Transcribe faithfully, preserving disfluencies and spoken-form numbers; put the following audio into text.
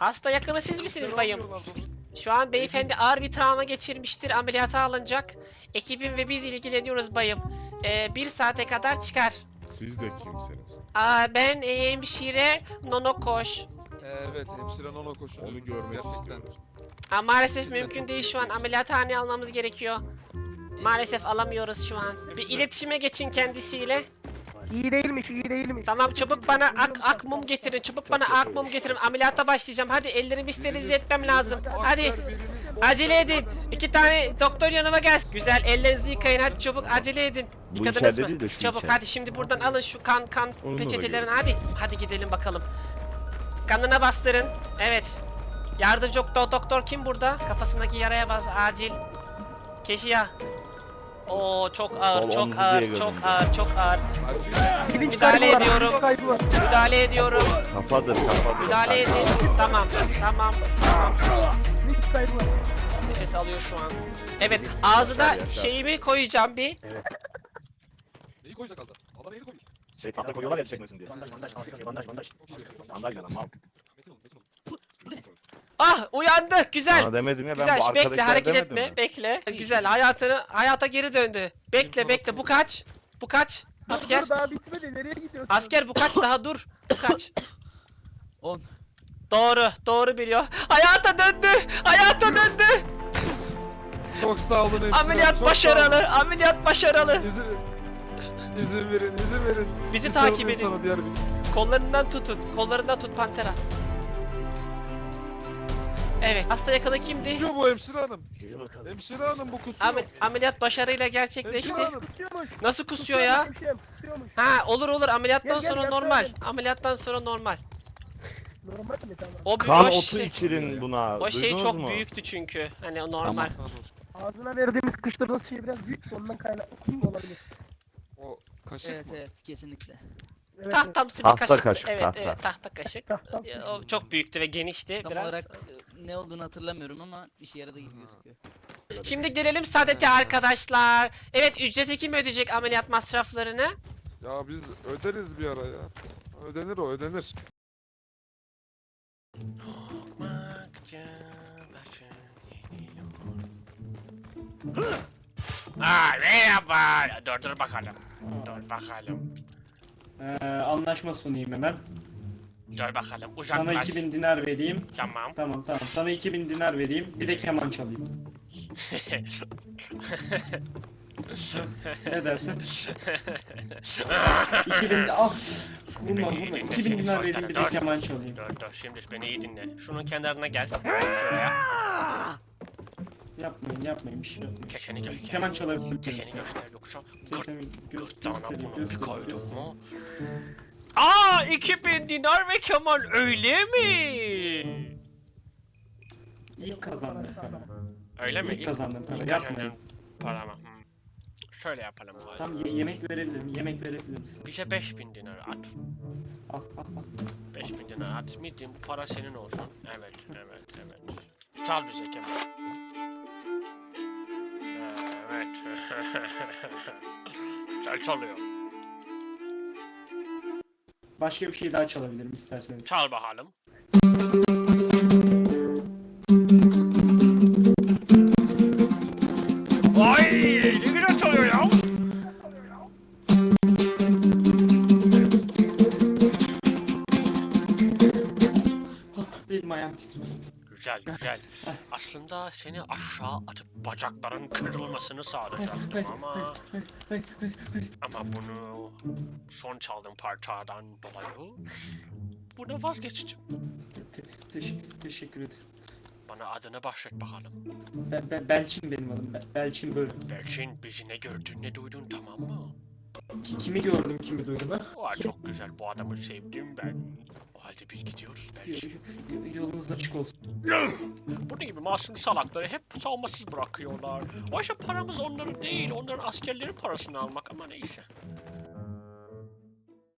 Hasta yakını siz misiniz bayım? Şu an beyefendi ağır bir travma geçirmiştir. Ameliyata alınacak. Ekibim ve biz ilgileniyoruz bayım. Ee, bir saate kadar çıkar. Siz de kimsiniz? Aa, ben e, hemşire Nono Koş. Evet, hemşire Nono koşuyor. Onu görmek Gerçekten. istiyoruz. Aa, maalesef mümkün değil şu an. Ameliyathaneye almamız gerekiyor. Maalesef alamıyoruz şu an. Bir iletişime geçin kendisiyle. İyi değilmiş, iyi değilmiş. Tamam, çabuk bana ak ak mum getirin. Çabuk bana ak mum getirin. Ameliyata başlayacağım. Hadi ellerimi sterilize etmem lazım. Hadi. Acele edin. İki tane doktor yanıma gelsin. Güzel, ellerinizi yıkayın. Hadi çabuk acele edin. Bu Yıkadınız içeride mı? değil de şu Çabuk içeride. hadi şimdi buradan alın şu kan kan Onunla da peçetelerini gelin. hadi. Hadi gidelim bakalım. Kanına bastırın. Evet. Yardımcı do- doktor kim burada? Kafasındaki yaraya bas acil. Keşiya. Oo çok ağır, Sol çok omzu ağır, diye çok görünüyor. ağır, çok ağır. Bilinç Müdahale kaybı var, ediyorum. bilinç kaybı var. Müdahale ediyorum. Kafadır kafadır. Müdahale edin. Tamam, tamam. Bilinç kaybı var. Nefes alıyor şu an. Evet, ağzına Yaşar, yaşar. şeyimi koyacağım bir. Neyi koyacak Azar? Azar neyi koyacak? Şey tahta koyuyorlar ya çekmesin diye. Bandaj bandaj bandaj bandaj bandaj. Çok iyi, çok iyi. Bandaj yana mal. Metin ol, Metin ol. Ah, uyandı. Güzel. Sana demedim ya ben Güzel. bu Bekle, arkadakiler hareket demedim etme. mi? Bekle. Güzel. Hayatını hayata geri döndü. Bekle, bekle. Bu kaç? Bu kaç? Asker. Dur, daha bitmedi, nereye gidiyorsun? Asker bu kaç daha dur. Bu kaç? on. Doğru, doğru biliyor. Hayata döndü. Hayata döndü. Çok sağ olun hemşire. Ameliyat çok başarılı. Ameliyat başarılı. sağ olun. İzin, izin verin, izin verin. Bizi Bir takip sarılayım edin. Sana diğer bir. Kollarından tutun. Kollarından tut Pantera. Evet. Hasta yakını kimdi? Kusuyor bu hemşire hanım. Gel bakalım. Hemşire hanım bu kusuyor. Amel- ameliyat başarıyla gerçekleşti. Hemşire hanım. Kusuyormuş. Nasıl kusuyor ya? Hemşirem, kusuyormuş. Ha, olur olur, ameliyattan Gel, gel, sonra gel, normal. söyle. Ameliyattan sonra normal. Normal mi, tamam? O bir Kan o otu şey, içirin buna. o şey Duydunuz çok mu? büyüktü çünkü. Hani o normal. Ağzına verdiğimiz kıştırdığımız şey biraz büyük, ondan kaynaklı olabilir. O kaşık Evet mı? evet kesinlikle. Evet, evet. Tahtamsı bir Tahta kaşık. kaşık, Evet, tahta. evet, tahta kaşık. Tahtam. Ya, o çok büyüktü ve genişti Tam biraz. olarak e, ne olduğunu hatırlamıyorum ama işe yaradığı gibi gözüküyor. Şimdi gelelim Saadet'e arkadaşlar. Evet, ücreti kim ödeyecek ameliyat masraflarını? Ya biz öderiz bir ara ya. Ödenir o, ödenir. Aa, merhaba. Dur dur bakalım. Dur bakalım. Ee, anlaşma sunayım hemen. Dur bakalım. Sana Uzaklaş. iki bin dinar vereyim. Tamam. Tamam tamam. Sana iki bin dinar vereyim. Bir de keman çalayım. Ne dersin? iki bin de al. Vurma vurma. iki bin dinar vereyim bir de keman çalayım. Dur dur, şimdi beni iyi dinle. Şunun kenarına gel. Şuraya. Yapmayın yapmayın bir şey yapmayın. Keçeni göster. Keman çalabilir Keçeni misin? göster yoksa. Kesemi göz, Gırtlağına göstereyim bunu bir göstereyim. koyduk göstereyim. mu? Aa, iki bin dinar ve keman, öyle mi? İlk kazandığım para. Öyle mi? İlk kazandığım para. İlk Yapmayın. kazandığın para mı? Hmm. Şöyle yapalım. o Tam halde. ye- yemek verebilirim. Yemek verebilir misin? Bize beş bin dinar at. Al al al. beş bin dinar at. Midin, bu para senin olsun. Evet, evet, evet. Çal bize keman. Evet. Güzel çalıyor. Başka bir şey daha çalabilirim isterseniz. Çal bakalım. Vay, ne güzel çalıyor ya. Benim ayağım titriyor. Güzel güzel. Aslında seni aşağı atıp bacakların kırılmasını sağlayacaktım ama... Ama bunu son çaldığım parçadan dolayı buna vazgeçeceğim. Te- teşekkür, teşekkür ederim. Bana adını bahşet bakalım. Be- Be- Belçin benim adım. Be- Belçin böyle. Belçin, bizi ne gördün ne duydun, tamam mı? Ki- Kimi gördüm kimi duydum ha? Aa, çok güzel, bu adamı sevdim ben. O halde biz gidiyoruz Belçin. Y- y- Yolunuz açık olsun. Bunun gibi masum salakları hep savunmasız bırakıyorlar. Oysa paramız onların değil, onların askerlerin parasını almak, ama neyse.